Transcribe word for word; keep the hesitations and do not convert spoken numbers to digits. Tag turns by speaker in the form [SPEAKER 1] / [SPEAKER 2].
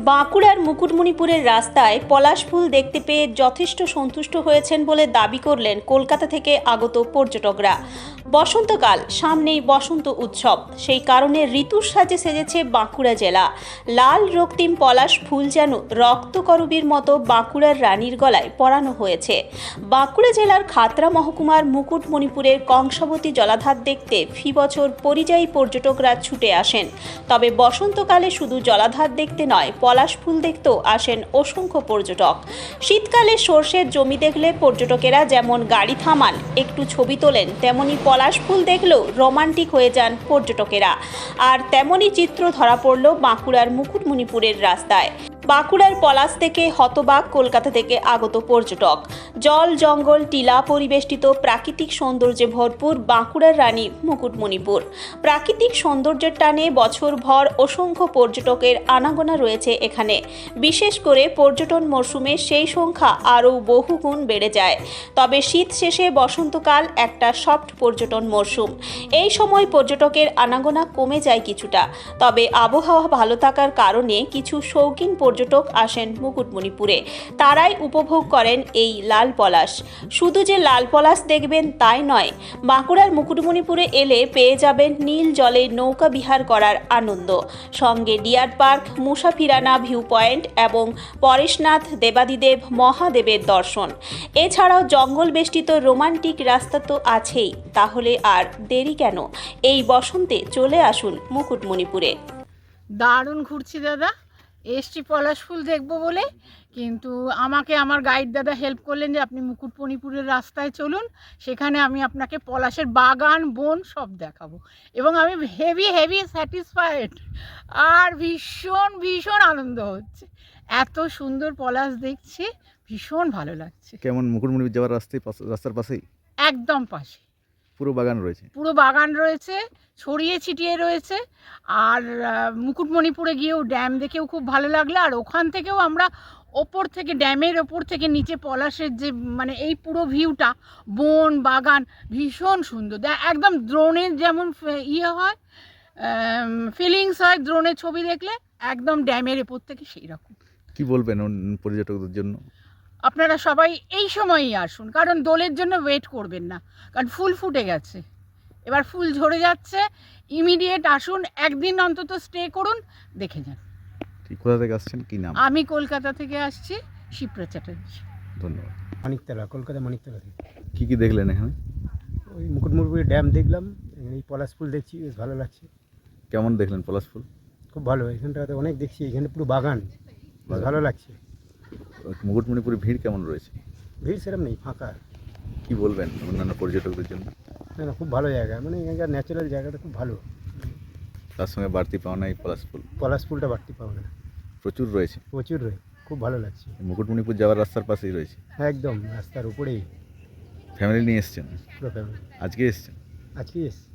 [SPEAKER 1] বাঁকুড়ার মুকুটমণিপুরের রাস্তায় পলাশ ফুল দেখতে পেয়ে যথেষ্ট সন্তুষ্ট হয়েছেন বলে দাবি করলেন কলকাতা থেকে আগত পর্যটকরা। বসন্তকাল, সামনেই বসন্ত উৎসব, সেই কারণে ঋতুর সাজে সেজেছে বাঁকুড়া জেলা। লাল রক্তিম পলাশ ফুল যেন রক্তকরবীর মতো বাঁকুড়ার রানীর গলায় পরানো হয়েছে। বাঁকুড়া জেলার খাতড়া মহকুমার মুকুটমণিপুরের কংসাবতী জলাধার দেখতে ফি বছর পরিযায়ী পর্যটকরা ছুটে আসেন। তবে বসন্তকালে শুধু জলাধার দেখতে নয়, পলাশ ফুল দেখতেও আসেন অসংখ্য পর্যটক। শীতকালে সর্ষের জমি দেখলে পর্যটকেরা যেমন গাড়ি থামান, একটু ছবি তোলেন, তেমনি পলাশ ফুল দেখলেও রোমান্টিক হয়ে যান পর্যটকেরা। আর তেমনই চিত্র ধরা পড়ল বাঁকুড়ার মুকুটমণিপুরের রাস্তায়। বাঁকুড়ার পলাশ থেকে হতবাক কলকাতা থেকে আগত পর্যটক। জল, জঙ্গল, টিলা পরিবেষ্টিত প্রাকৃতিক সৌন্দর্যে ভরপুর বাঁকুড়ার রানী মুকুটমণিপুর। প্রাকৃতিক সৌন্দর্যের টানে বছরভর অসংখ্য পর্যটকের আনাগোনা রয়েছে এখানে। বিশেষ করে পর্যটন মরশুমে সেই সংখ্যা আরও বহুগুণ বেড়ে যায়। তবে শীত শেষে বসন্তকাল একটা সফট পর্যটন মরশুম। এই সময় পর্যটকের আনাগোনা কমে যায় কিছুটা। তবে আবহাওয়া ভালো থাকার কারণে কিছু শৌখিন পর্যটক আসেন মুকুটমণিপুরে। তারাই উপভোগ করেন এই লাল পলাশ। শুধু যে লাল পলাশ দেখবেন তাই নয়, বাঁকুড়ার মুকুটমণিপুরে এলে পেয়ে যাবেন নীল জলে নৌকা বিহার করার আনন্দ, সঙ্গে deer park, Musafirana view point এবং পরেশনাথ দেবাদিদেব মহাদেবের দর্শন। এছাড়াও জঙ্গল বেষ্টিত রোমান্টিক রাস্তা তো আছেই। তাহলে আর দেরি কেন? এই বসন্তে চলে আসুন মুকুটমণিপুরে।
[SPEAKER 2] দারুণ ঘুরছি দাদা, এসছি পলাশ ফুল দেখবো বলে, কিন্তু আমাকে আমার গাইড দাদা হেল্প করলেন যে আপনি মুকুটমণিপুরের রাস্তায় চলুন, সেখানে আমি আপনাকে পলাশের বাগান, বন সব দেখাবো। এবং আমি হেভি হেভি স্যাটিসফাইড আর ভীষণ ভীষণ আনন্দ হচ্ছে। এত সুন্দর পলাশ দেখছি, ভীষণ ভালো লাগছে।
[SPEAKER 3] কেমন মুকুটমণিপুর যাওয়ার রাস্তায় রাস্তার পাশেই
[SPEAKER 2] একদম পাশে
[SPEAKER 3] পুরো বাগান রয়েছে।
[SPEAKER 2] পুরো বাগান রয়েছে, ছড়িয়ে ছিটিয়ে রয়েছে। আর মুকুটমণিপুরে গিয়েও ড্যাম দেখেও খুব ভালো লাগলো। আর ওখান থেকেও আমরা ওপর থেকে, ড্যামের ওপর থেকে নিচে পলাশের যে মানে এই পুরো ভিউটা, বন, বাগান ভীষণ সুন্দর। একদম ড্রোনের যেমন ইয়ে হয়, ফিলিংস হয় ড্রোনের ছবি দেখলে, একদম ড্যামের ওপর থেকে সেই রকম।
[SPEAKER 3] কি বলবেন পর্যটকদের জন্য?
[SPEAKER 2] আপনারা সবাই এই সময়ই আসুন, কারণ দোলের জন্য ওয়েট করবেন না, কারণ ফুল ফুটে গেছে, এবার ফুল ঝরে যাচ্ছে। ইমিডিয়েট আসুন, একদিন অন্তত স্টে করুন, দেখে যান।
[SPEAKER 3] ঠিক, কোথা থেকে আসছেন, কি নাম?
[SPEAKER 2] আমি কলকাতা থেকে আসছি, শিপ্রা চ্যাটার্জি।
[SPEAKER 3] ধন্যবাদ।
[SPEAKER 4] মানিকতলা, কলকাতা মানিকতলা থেকে।
[SPEAKER 3] কি কি দেখলেন এখানে?
[SPEAKER 4] ওই মুকুটমণিপুরের ড্যাম দেখলাম, এই পলাশ ফুল দেখছি, বেশ ভালো লাগছে।
[SPEAKER 3] কেমন দেখলেন পলাশ ফুল?
[SPEAKER 4] খুব ভালো, এখানটাতে অনেক দেখছি, এখানে পুরো বাগান, বেশ ভালো লাগছে।
[SPEAKER 3] মুকুটমণিপুরে ভিড় কেমন রয়েছে?
[SPEAKER 4] ভিড় সেরকম নেই, ফাঁকা।
[SPEAKER 3] কি বলবেন অন্যান্য পর্যটকদের জন্য?
[SPEAKER 4] না না, খুব ভালো জায়গা, মানে এখানকার ন্যাচারাল জায়গাটা খুব ভালো।
[SPEAKER 3] তার সঙ্গে বাড়তি পাওনা এই পলাশ ফুল।
[SPEAKER 4] পলাশ ফুলটা বাড়তি পাবো না,
[SPEAKER 3] প্রচুর রয়েছে,
[SPEAKER 4] প্রচুর রয়ে, খুব ভালো লাগছে।
[SPEAKER 3] মুকুটমণিপুর যাওয়ার রাস্তার পাশেই রয়েছে,
[SPEAKER 4] একদম রাস্তার উপরেই।
[SPEAKER 3] ফ্যামিলি নিয়ে এসছেন?
[SPEAKER 4] পুরো ফ্যামিলি।
[SPEAKER 3] আজকে এসছেন?
[SPEAKER 4] আজকে এসছি।